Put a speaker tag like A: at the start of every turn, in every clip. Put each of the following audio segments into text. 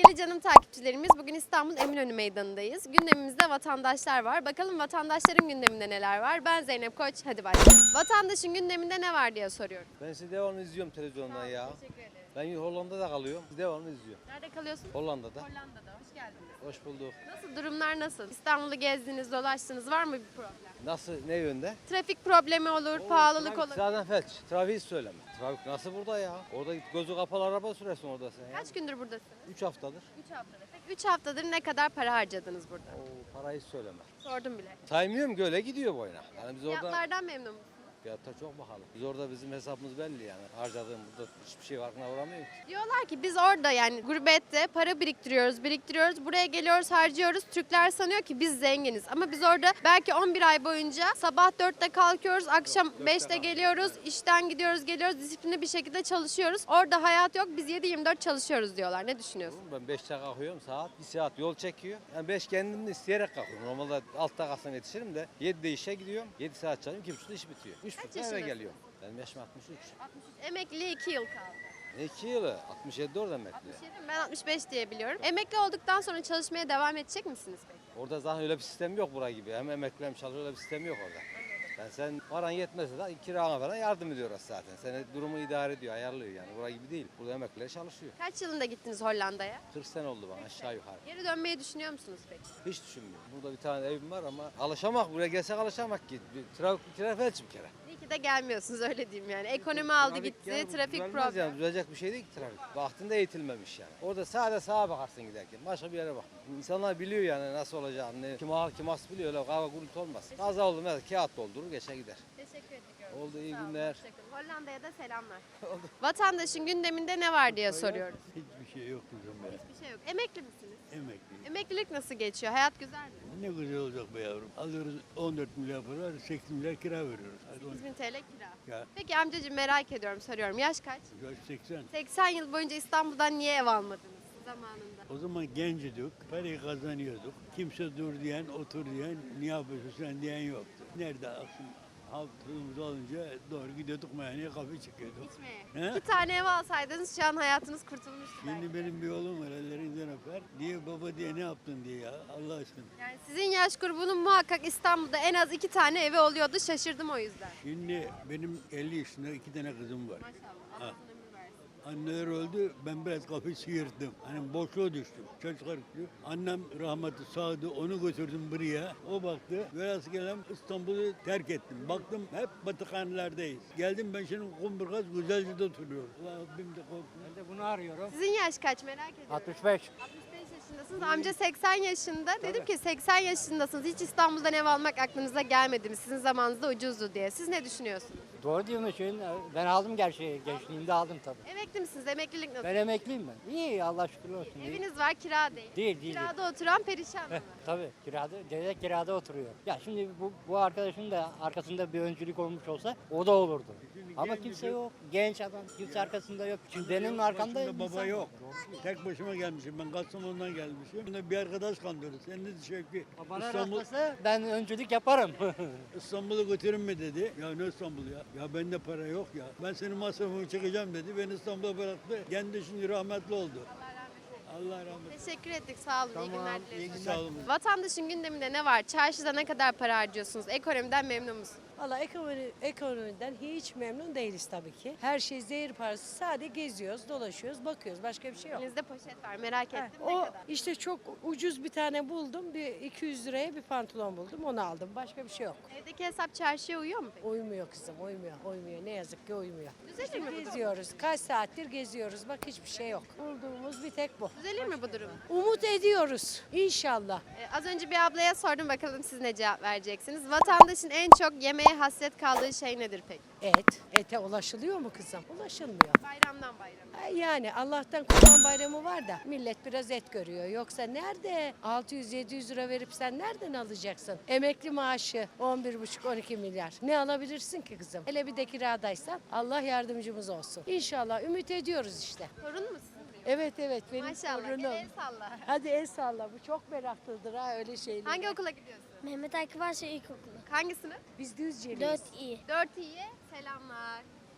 A: Sevgili canım takipçilerimiz, bugün İstanbul Eminönü Meydanı'ndayız. Gündemimizde vatandaşlar var. Bakalım vatandaşların gündeminde neler var? Ben Zeynep Koç, hadi başlayalım. Vatandaşın gündeminde ne var diye soruyorum.
B: Ben sizi devamlı izliyorum televizyondan ya.
A: Teşekkür ederim.
B: Ben Hollanda'da kalıyorum. Devamlı izliyorum.
A: Nerede kalıyorsun?
B: Hollanda'da.
A: Hollanda'da. Hoş geldiniz.
B: Hoş bulduk.
A: Nasıl, durumlar nasıl? İstanbul'u gezdiniz, dolaştınız. Var mı bir problem?
B: Nasıl, ne yönde?
A: Trafik problemi olur, pahalılık olur.
B: Zaten felç. Trafiği söyleme. Trafik nasıl burada ya? Orada gözü kapalı araba sürersin orada sen ya.
A: Kaç gündür buradasınız?
B: 3 haftadır.
A: 3 haftadır. Peki 3 haftadır ne kadar para harcadınız burada?
B: O parayı söyleme.
A: Sordum bile.
B: Saymıyorum ki öyle gidiyor boyuna. Yani biz orada
A: Fiyatlardan memnun musunuz?
B: fiyatta çok pahalı. Biz orada bizim hesabımız belli yani. Harcadığım burada hiçbir şey farkına varamıyor ki.
A: Diyorlar ki biz orada yani gurbette para biriktiriyoruz. Buraya geliyoruz, harcıyoruz. Türkler sanıyor ki biz zenginiz. Ama biz orada belki 11 ay boyunca sabah 4'te kalkıyoruz, akşam 5'te geliyoruz, işten geliyoruz, disiplinli bir şekilde çalışıyoruz. Orada hayat yok, biz 7-24 çalışıyoruz diyorlar. Ne düşünüyorsun?
B: Ben 5'te kalkıyorum, saat 1 saat yol çekiyor. Yani 5 kendim de isteyerek kalkıyorum. Normalde 6'da kalksam yetişirim de 7'de işe gidiyorum. 7 saat çalışıyorum, 2.30'da iş bitiyor. 3.30'da eve
A: yaşındasın?
B: geliyorum. Benim yaşım 63.
A: 63. Emekliliğe 2 yıl kaldı.
B: 2 yılı, 67 orada emekli.
A: 67 mi? Ben 65 diye biliyorum. Emekli olduktan sonra çalışmaya devam edecek misiniz peki?
B: Orada zaten öyle bir sistem yok bura gibi. Hem emekli hem çalışıyor, öyle bir sistem yok orada. Yani sen paran yetmezse de kirana falan yardım ediyoruz zaten. Seni durumu idare ediyor, ayarlıyor yani. Bura gibi değil. Burada emekliler çalışıyor.
A: Kaç yılında gittiniz Hollanda'ya?
B: 40 sene oldu bana aşağı yukarı.
A: Geri dönmeyi düşünüyor musunuz peki?
B: Hiç düşünmüyorum. Burada bir tane evim var ama alışamak, buraya gelsek alışamak ki. Trafik bir kere.
A: İyi ki de gelmiyorsunuz, öyle diyeyim yani. Ekonomi aldı
B: Trafik
A: gitti,
B: yani
A: trafik
B: düzelmez
A: problem.
B: Yani, düzelecek bir şey değil ki trafik. Vaktinde eğitilmemiş yani. Orada sadece sağa bakarsın giderken. Başka bir yere bak. İnsanlar biliyor yani nasıl olacağını. Kim ağır kim az biliyor. Öyle kavga gürültü olmaz. Kaza oldu mesela kağıt doldurur geçe gider.
A: Teşekkür ediyorum.
B: Oldu, iyi
A: Sağ olun,
B: günler.
A: hoşça kalın. Hollanda'ya da selamlar. Vatandaşın gündeminde ne var diye soruyoruz.
C: Hiçbir şey yok kızım be.
A: Hiçbir şey yok. Emekli misiniz?
C: Emekli.
A: Emeklilik nasıl geçiyor? Hayat güzel mi?
C: Ne güzel olacak be yavrum. Alıyoruz 14 milyar para, 8 milyar kira veriyoruz. Hadi
A: 8.000 TL kira.
C: Ya,
A: Peki amcacığım, merak ediyorum, soruyorum. Yaş kaç?
C: yaş 80.
A: 80 yıl boyunca İstanbul'dan niye ev almadınız zamanında?
C: O zaman genciydik, parayı kazanıyorduk. Kimse dur diyen, otur diyen, ne yapıyorsun sen diyen yoktu. Nerede aklım? Halkımız olunca doğru gidiyorduk meyhaneye kahve çıkıyorduk.
A: İçmeye.
C: He?
A: 2 tane ev alsaydınız şu an hayatınız kurtulmuştu belki.
C: Şimdi benim bir oğlum var ellerinden öper. Niye baba diye ne yaptın diye ya Allah aşkına.
A: Yani sizin yaş grubunun muhakkak İstanbul'da en az 2 tane evi oluyordu. Şaşırdım o yüzden.
C: Şimdi benim 50 yaşında 2 tane kızım var.
A: Maşallah. Allah uzun ömür versin.
C: Anneler öldü, ben biraz kafayı sıyırdım. Hani boşluğa düştüm, çocuklar düştü. Annem rahmetli sağdı, onu götürdüm buraya. O baktı, velhasıl İstanbul'u terk ettim. Baktım hep batıkhanelerdeyiz. Geldim ben şimdi Kumburgaz Güzelce'de oturuyorum. Rabbim de korktum.
D: Ben de bunu arıyorum.
A: Sizin yaş kaç, merak ediyorum.
D: 65.
A: 65 yaşındasınız. Amca 80 yaşında. Dedim ki 80 yaşındasınız. Hiç İstanbul'dan ev almak aklınıza gelmedi mi? Sizin zamanınızda ucuzdu diye. Siz ne düşünüyorsunuz?
D: Doğru diyorsun. Ben aldım gerçi. Gençliğimde aldım tabii.
A: Emekli misiniz? Emeklilik nasıl?
D: Ben emekliyim ben. İyi Allah şükür olsun. İyi.
A: Eviniz var, kira değil.
D: Değil.
A: Kirada oturan perişan mı?
D: Tabii kirada oturuyor. Ya şimdi bu arkadaşın da arkasında bir öncülük olmuş olsa o da olurdu. Ama kimse yok. Genç adam. Kimse arkasında yok. Şimdi benim arkamda
C: Başımda baba
D: insan
C: yok.
D: var.
C: Tek başıma gelmişim. Ben Kastamonu'dan gelmişim. Bunda bir arkadaş kandırdı. Sen de Şevki
D: Bana
C: İstanbul,
D: rastlasa ben öncülük yaparım.
C: İstanbul'u götürün mü dedi. Ya ne İstanbul ya? Ya bende para yok ya. Ben senin masrafımı çekeceğim dedi. Beni İstanbul'a bıraktı. Kendi şimdi rahmetli oldu. Allah rahmet eylesin.
A: Teşekkür ettik. Sağ olun. iyi günler
D: iyi
A: dileriz.
D: günler.
C: Sağ olun.
A: Vatandaşın gündeminde ne var? Çarşıda ne kadar para harcıyorsunuz? Ekonomiden memnun musunuz?
E: Valla ekonomiden hiç memnun değiliz tabii ki. Her şey zehir parası. Sadece geziyoruz, dolaşıyoruz, bakıyoruz. Başka bir şey yok.
A: Elinizde poşet var. Merak
E: Heh,
A: ettim. Ne
E: o
A: kadar?
E: işte çok ucuz bir tane buldum. Bir 200 liraya bir pantolon buldum. Onu aldım. Başka bir şey yok.
A: Evdeki hesap çarşıya uyuyor mu peki?
E: Uymuyor kızım, uymuyor. Ne yazık ki uymuyor.
A: Düzelir mi bu durum?
E: Geziyoruz. Kaç saattir geziyoruz. Bak hiçbir şey yok. Bulduğumuz bir tek bu.
A: Düzelir mi bu durum?
E: Umut ediyoruz. İnşallah.
A: Az önce bir ablaya sordum, bakalım siz ne cevap vereceksiniz. Vatandaşın en çok yemeğe hasret kaldığı şey nedir peki?
E: Et. Ete ulaşılıyor mu kızım? Ulaşılmıyor.
A: Bayramdan bayrama.
E: Yani Allah'tan Kurban Bayramı var da millet biraz et görüyor. Yoksa nerede 600-700 lira verip sen nereden alacaksın? Emekli maaşı 11,5-12 milyar. Ne alabilirsin ki kızım? Hele bir de kiradaysan Allah yardımcımız olsun. İnşallah ümit ediyoruz işte.
A: Torun mu sizin?
E: Evet benim
A: Maşallah.
E: torunum.
A: Gel el salla.
E: Hadi el salla, bu çok meraklıdır ha öyle şeyler.
A: Hangi okula gidiyorsun?
F: Mehmet Akif Arslan İlkokulu.
A: Hangi sınıf?
E: Biz Düzce'liyiz.
F: 4 iyi.
A: 4 iyi. Selamlar.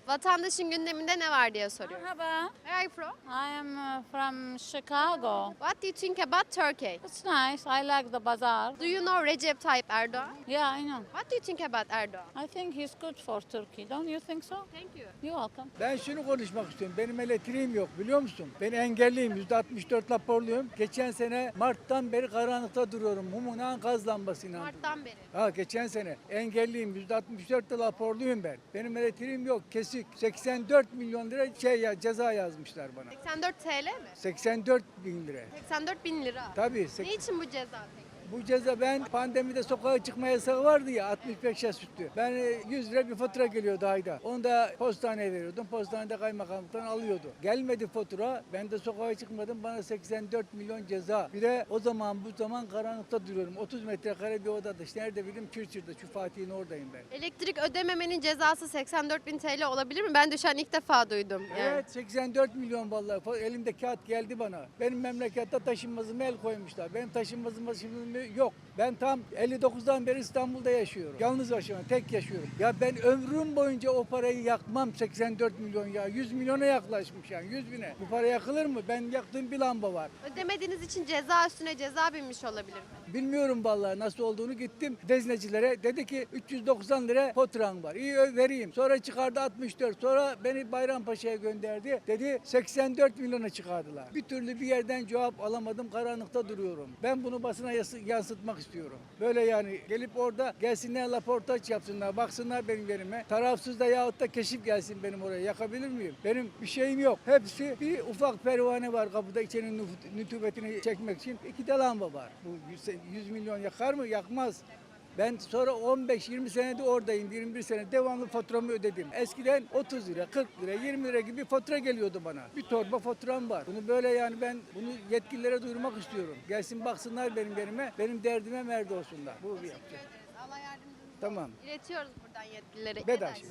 A: Vatandaşın gündeminde ne var diye soruyorum.
F: Merhaba,
A: Where are you from?
F: I am from Chicago.
A: What do you think about Turkey?
F: It's nice. I like the bazaar.
A: Do you know Recep Tayyip Erdogan?
F: Yeah, I know.
A: What do you think about Erdogan?
F: I think he's good for Turkey. Don't you think so?
A: Thank you.
F: You're welcome.
G: Ben şunu konuşmak istiyorum. Benim elektriğim yok biliyor musun? Ben engelliyim. %64 raporluyum. Geçen sene Mart'tan beri karanlıkta duruyorum. Mumunağın gaz lambasıyla.
A: Mart'tan beri.
G: Ha geçen sene engelliyim. %64 de raporluyum ben. Benim elektriğim yok. Kesik. 84 milyon lira ceza yazmışlar bana.
A: 84 TL mi?
G: 84 bin lira.
A: 84 bin lira.
G: Tabii.
A: Ne için bu ceza peki?
G: Bu ceza ben pandemide sokağa çıkma yasağı vardı ya 65 yaş üstü. Ben 100 lira bir fatura geliyordu ayda. Onu da postaneye veriyordum. Postanede kaymakamlıktan alıyordu. Gelmedi fatura. Ben de sokağa çıkmadım. Bana 84 milyon ceza. Bir de o zaman bu zaman karanlıkta duruyorum. 30 metrekare bir odada. İşte nerede bileyim Çırçır'da. Şu Fatih'in oradayım ben.
A: Elektrik ödememenin cezası 84 bin TL olabilir mi? Ben de şu an ilk defa duydum. Yani.
G: Evet 84 milyon vallahi. Elimde kağıt geldi bana. Benim memlekette taşınmazıma el koymuşlar. Benim taşınmazıma şimdi yok. Ben tam 59'dan beri İstanbul'da yaşıyorum. Yalnız yaşıyorum, tek yaşıyorum. Ya ben ömrüm boyunca o parayı yakmam 84 milyon ya. 100 milyona yaklaşmış yani 100 bine. Bu para yakılır mı? Ben yaktığım bir lamba var.
A: Ödemediğiniz için ceza üstüne ceza binmiş olabilir mi?
G: Bilmiyorum vallahi nasıl olduğunu gittim veznecilere. Dedi ki 390 lira faturan var. İyi vereyim. Sonra çıkardı 64. Sonra beni Bayrampaşa'ya gönderdi. Dedi 84 milyona çıkardılar. Bir türlü bir yerden cevap alamadım. Karanlıkta duruyorum. Ben bunu basına yansıtmak istiyorum. Böyle yani gelip orada gelsinler laportaj yapsınlar. Baksınlar benim yerime. Tarafsız da yahut da keşif gelsin benim oraya. Yakabilir miyim? Benim bir şeyim yok. Hepsi bir ufak pervane var kapıda içerinin nütubetini çekmek için. 2 de lamba var. Bu 100 milyon yakar mı? Yakmaz. Ben sonra 15-20 senedir oradayım. 21 sene devamlı faturamı ödedim. Eskiden 30 lira, 40 lira, 20 lira gibi fatura geliyordu bana. Bir torba faturam var. Bunu böyle yani ben bunu yetkililere duyurmak istiyorum. Gelsin baksınlar benim yerime. Benim derdime merdi olsunlar. Bu bir yapacak.
A: Allah yardımcınız olsun.
G: Tamam.
A: İletiyoruz buradan yetkililere.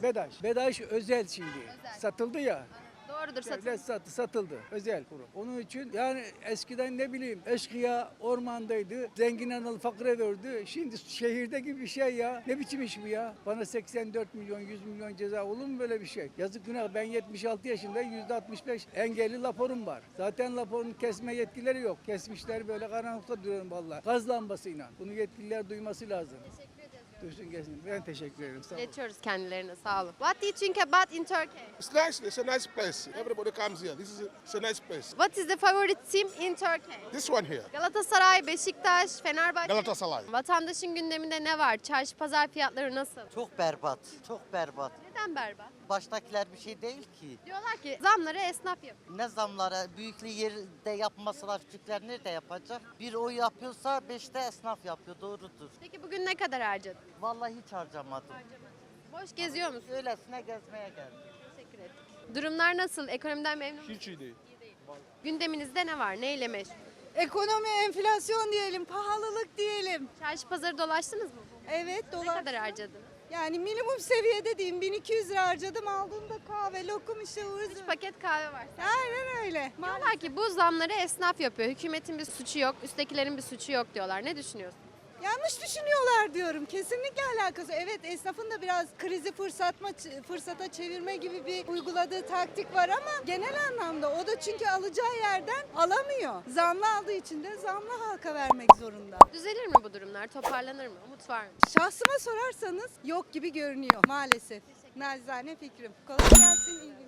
G: Bedaş özel şimdi.
A: Özel.
G: Satıldı ya.
A: Doğrudur
G: Devlet satıldı. Özel kurum. Onun için yani eskiden ne bileyim eşkıya ormandaydı. Zengin analı fakire verdi. Şimdi şehirde gibi bir şey ya. Ne biçim iş bu ya? Bana 84 milyon 100 milyon ceza olur mu böyle bir şey? Yazık günah. Ben 76 yaşındayım. %65 engelli raporum var. Zaten raporun kesme yetkileri yok. Kesmişler böyle karanlıkta duruyorum vallahi. Gaz lambasıyla. Bunu yetkililer duyması lazım. Duysun gelsin. Ben teşekkür ederim. Sağ olun.
A: İletiyoruz kendilerine. Sağ olun. What do you think about in Turkey?
H: It's nice. It's a nice place. Everybody comes here. It's a nice place.
A: What is the favorite team in Turkey?
H: This one here,
A: Galatasaray, Beşiktaş, Fenerbahçe.
H: Galatasaray.
A: Vatandaşın gündeminde ne var? Çarşı pazar fiyatları nasıl?
I: Çok berbat, çok berbat.
A: Neden berbat?
I: Baştakiler bir şey değil ki.
A: Diyorlar ki zamları esnaf yapıyor.
I: Ne zamlara, büyüklü yerde yapmasalar küçükler nerede yapacak? Bir o yapıyorsa 5'te esnaf yapıyor, doğrudur.
A: Peki bugün ne kadar harcadın?
I: Vallahi hiç harcamadım.
A: Boş geziyor musun?
I: Öylesine gezmeye geldim.
A: Teşekkür ettik. Durumlar nasıl? Ekonomiden memnun musun?
H: Hiç iyi değil.
A: Gündeminizde ne var? Neyle meşgul?
J: Ekonomi, enflasyon diyelim, pahalılık diyelim.
A: Çarşı pazarı dolaştınız mı?
J: Evet,
A: Ne kadar harcadınız?
J: Yani minimum seviyede diyeyim 1200 lira harcadım. Aldığımda kahve, lokum işte ıvır
A: 3
J: zıvır.
A: paket kahve var.
J: Aynen öyle.
A: Diyorlar ki bu zamları esnaf yapıyor. Hükümetin bir suçu yok, üsttekilerin bir suçu yok diyorlar. Ne düşünüyorsun?
J: Yanlış düşünüyorlar diyorum. Kesinlikle alakası. Evet, esnafın da biraz krizi fırsata çevirme gibi bir uyguladığı taktik var ama genel anlamda o da çünkü alacağı yerden alamıyor. Zamlı aldığı için de zamlı halka vermek zorunda.
A: Düzelir mi bu durumlar? Toparlanır mı? Umut var mı?
J: Şahsıma sorarsanız yok gibi görünüyor maalesef. Nacizane fikrim. Kolay gelsin. İyi